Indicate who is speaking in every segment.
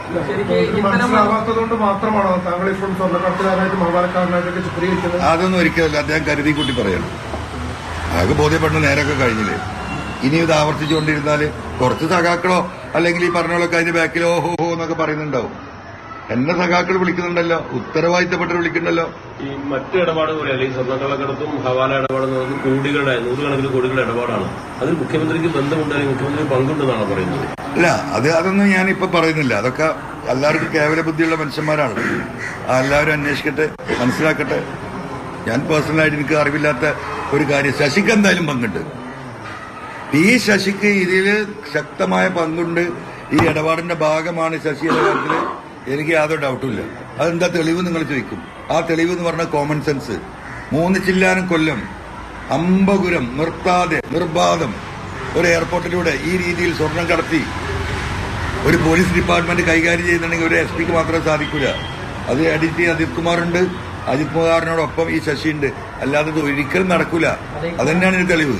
Speaker 1: മനസ്സിലാവാത്തതുകൊണ്ട് മാത്രമാണോ താങ്കൾ ഇപ്പോൾ സ്വർണ്ണക്കടത്തുകാരനായിട്ട് മഹാഭാരക്കാരനായിട്ടൊക്കെ ചിത്രീകരിക്കുന്നത്?
Speaker 2: അതൊന്നും ഒരിക്കലല്ല. അദ്ദേഹം കരുതി കൂട്ടി പറയണം. അതൊക്കെ ബോധ്യപ്പെടുന്ന നേരമൊക്കെ കഴിഞ്ഞില്ലേ. ഇനി ഇത് ആവർത്തിച്ചുകൊണ്ടിരുന്നാല് കുറച്ച് സഖാക്കളോ അല്ലെങ്കിൽ ഈ പറഞ്ഞോളൊക്കെ അതിന്റെ ബാക്കിലോ ഹോ ഹോ എന്നൊക്കെ പറയുന്നുണ്ടാവും. എന്നെ സഖാക്കൾ വിളിക്കുന്നുണ്ടല്ലോ, ഉത്തരവാദിത്തപ്പെട്ട് വിളിക്കുന്നുണ്ടല്ലോ.
Speaker 3: ഈ മറ്റു ഇടപാട് പോലെ അല്ലെങ്കിൽ സ്വർണ്ണക്കള്ളക്കടത്തും ഹവാല ഇടപാടെന്ന് കോടികളുടെ 100 കോടികളുടെ ഇടപാടാണ്. അതിൽ മുഖ്യമന്ത്രിക്ക് ബന്ധമുണ്ടെങ്കിൽ മുഖ്യമന്ത്രി പങ്കുണ്ടെന്നാണ് പറയുന്നത്.
Speaker 2: അല്ല, അതൊന്നും ഞാനിപ്പോ പറയുന്നില്ല. അതൊക്കെ എല്ലാവർക്കും കേവല ബുദ്ധിയുള്ള മനുഷ്യന്മാരാണ്. എല്ലാവരും അന്വേഷിക്കട്ടെ, മനസ്സിലാക്കട്ടെ. ഞാൻ പേഴ്സണലായിട്ട് എനിക്ക് അറിവില്ലാത്ത ഒരു കാര്യം ശശിക്ക് എന്തായാലും പങ്കുണ്ട്. ഈ ശശിക്ക് ഇതിൽ ശക്തമായ പങ്കുണ്ട്. ഈ ഇടപാടിന്റെ ഭാഗമാണ് ശശി എന്ന കാര്യത്തിൽ എനിക്ക് യാതൊരു ഡൗട്ടുമില്ല. അതെന്താ തെളിവ് നിങ്ങൾ ചോദിക്കും. ആ തെളിവ് എന്ന് പറഞ്ഞാൽ കോമൺ സെൻസ്. 3 ചില്ലാനം കൊല്ലം അമ്പകുരം നിർത്താതെ നിർബാധം ഒരു എയർപോർട്ടിലൂടെ ഈ രീതിയിൽ സ്വർണം കടത്തി ഒരു പോലീസ് ഡിപ്പാർട്ട്മെന്റ് കൈകാര്യം ചെയ്യുന്നുണ്ടെങ്കിൽ ഒരു എസ് പിക്ക് മാത്രമേ സാധിക്കൂല. അത് എഡിറ്റ് അജിത് കുമാറുണ്ട്, അജിത് കുമാറിനോടൊപ്പം ഈ ശശിയുണ്ട്. അല്ലാതെ ഇത് ഒരിക്കലും നടക്കൂല. അതന്നെയാണ് ഒരു തെളിവ്.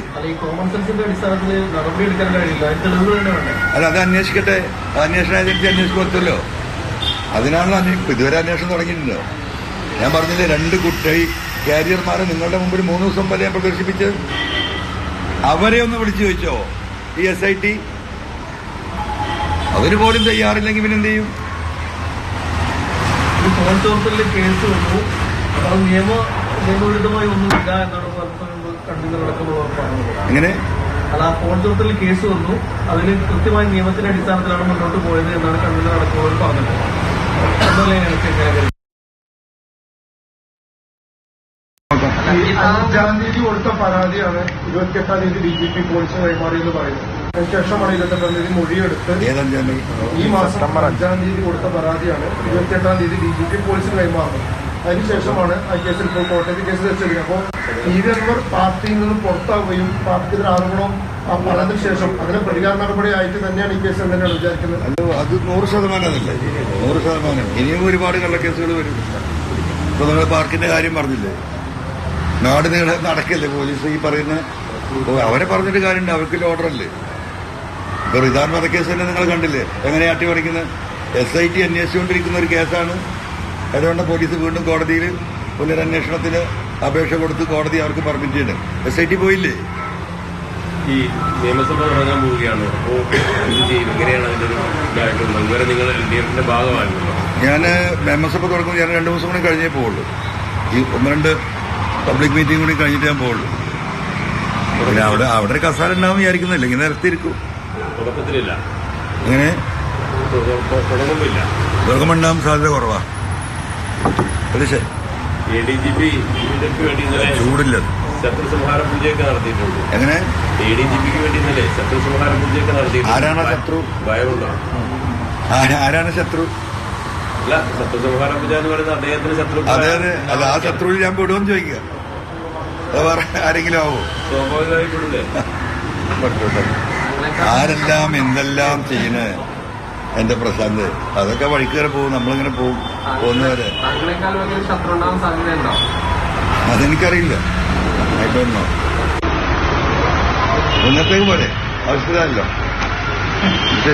Speaker 2: അല്ല, അത് അന്വേഷിക്കട്ടെ. അന്വേഷണ ഏജൻസി അന്വേഷിക്കുമല്ലോ. അതിനാണല്ലോ ഇതുവരെ അന്വേഷണം തുടങ്ങിയിട്ടുണ്ടോ. ഞാൻ പറഞ്ഞില്ലേ, 2 കുട്ടി കാരിയർമാരെ നിങ്ങളുടെ മുമ്പിൽ 3 ദിവസം വരെ ഞാൻ പ്രദർശിപ്പിച്ചത്. അവരെ ഒന്ന് വിളിച്ചു ചോദിച്ചോ ഈ SIT? അവര് പോലും തയ്യാറില്ലെങ്കിൽ പിന്നെ എന്ത് ചെയ്യും?
Speaker 1: കേസ് വന്നു, അത് നിയമവിരുദ്ധമായി ഒന്നുമില്ല എന്നാണ് പറഞ്ഞത്.
Speaker 2: എങ്ങനെ?
Speaker 1: അല്ല, ഫോൺ ചോർത്തലിൽ കേസ് വന്നു, അതിൽ കൃത്യമായ നിയമത്തിന്റെ അടിസ്ഥാനത്തിലാണ് മുന്നോട്ട് പോയത് എന്നാണ് കണ്ണൂർ അടക്കമുള്ളവർ പറഞ്ഞത്. 5-ാം തീയതി കൊടുത്ത പരാതിയാണ് 28-ാം തീയതി DGP പോലീസ് കൈമാറിയെന്ന് പറയുന്നത്. അതിനുശേഷമാണ് 28-ാം തീയതി മൊഴിയെടുത്ത് ഈ മാസം 5-ാം തീയതി കൊടുത്ത പരാതിയാണ് 28-ാം തീയതി DGP പോലീസിന് കൈമാറുന്നത്. അതിനുശേഷമാണ് ആ കേസിൽ ഇപ്പോൾ കോടതി കേസ് വെച്ചത്. അപ്പോൾ ഇവർ പാർട്ടിയിൽ നിന്നും പുറത്താവുകയും പാർട്ടിയുടെ ആരോപണം പറഞ്ഞതിന് ശേഷം അതിന് പ്രതികാര നടപടിയായിട്ട് തന്നെയാണ് ഈ കേസ് തന്നെയാണ് വിചാരിക്കുന്നത്.
Speaker 2: അത് 100% അതല്ലേ, 100%. ഇനിയും ഒരുപാട് കള്ളക്കേസുകൾ വരും. ഇപ്പൊ നിങ്ങൾ പാർക്കിന്റെ കാര്യം പറഞ്ഞില്ലേ, നാട് നീളെ നടക്കല്ലേ പോലീസ് ഈ പറയുന്ന. അവരെ പറഞ്ഞിട്ട് കാര്യമുണ്ട്, അവർക്കില്ല ഓർഡറല്ലേ. ഇപ്പൊ റിദാൻ വധക്കേസ് തന്നെ നിങ്ങൾ കണ്ടില്ലേ, എങ്ങനെയാ അട്ടിമറിക്കുന്നത്. SIT അന്വേഷിച്ചുകൊണ്ടിരിക്കുന്ന ഒരു കേസാണ്. അതുകൊണ്ട് പോലീസ് വീണ്ടും കോടതിയിൽ പുനരന്വേഷണത്തിന് അപേക്ഷ കൊടുത്ത് കോടതി അവർക്ക് പെർമിറ്റ് ചെയ്യണം. SIT പോയില്ലേ.
Speaker 3: ഈ നിയമസഭ തുടങ്ങാൻ പോവുകയാണ്. അപ്പോൾ ഇത് ചെയ്യും, എങ്ങനെയാണ് അതിന്റെ ഒരു ഇതായിട്ടുള്ളത്? ഇതുവരെ നിങ്ങൾ LDFന്റെ ഭാഗമായിരുന്നല്ലോ.
Speaker 2: ഞാൻ നിയമസഭ തുടങ്ങുമ്പോൾ ഞാൻ 2 ദിവസം കൂടി കഴിഞ്ഞേ പോവുള്ളൂ. ഈ 1-2 പബ്ലിക് മീറ്റിംഗ് കൂടി കഴിഞ്ഞിട്ട് ഞാൻ പോവുള്ളൂ. പിന്നെ അവിടെ ഒരു കസാല ഉണ്ടാവും വിചാരിക്കുന്നില്ല, ഇങ്ങനെ നിർത്തിയിരിക്കും.
Speaker 3: തുടക്കത്തിലില്ല.
Speaker 2: എങ്ങനെ
Speaker 3: തുടങ്ങുമ്പില്ല,
Speaker 2: തുടങ്ങുമ്പോൾ ഉണ്ടാവും സാധ്യത കുറവാ. ശരി.
Speaker 3: ADGP ഇതിനൊക്കെ വേണ്ടി ഇന്നലെ
Speaker 2: ചൂടില്ലത്
Speaker 3: ശത്രുസംഹാര പൂജയൊക്കെ നടത്തിയിട്ടുണ്ട്.
Speaker 2: എങ്ങനെ?
Speaker 3: ADGPക്ക് വേണ്ടി ഇന്നലെ ശത്രുസംഹാര പൂജയൊക്കെ നടത്തിയിട്ടുണ്ട്.
Speaker 2: ആരാണ് ശത്രു?
Speaker 3: ഭയമുണ്ടോ?
Speaker 2: ആരാണ് ശത്രു?
Speaker 3: അല്ല, ശത്രുസംഹാര പൂജ എന്ന് പറയുന്നത് അദ്ദേഹത്തിന് ശത്രു.
Speaker 2: അതെ അതെ. അല്ല, ആ ശത്രുവിൽ ഞാൻ പെടുമെന്ന് ചോദിക്കുക. ആരെങ്കിലും ആവോ?
Speaker 3: സ്വാഭാവികമായി പെടില്ലേ?
Speaker 2: ആരെല്ലാം എന്തെല്ലാം ചെയ്യണേ എന്റെ പ്രശാന്ത്. അതൊക്കെ വഴിക്ക് വരെ പോകും, നമ്മളിങ്ങനെ പോകുന്നവരെ. അതെനിക്കറിയില്ല. ഇന്നത്തേക്ക് പോലെ അവസ്ഥയല്ലോ.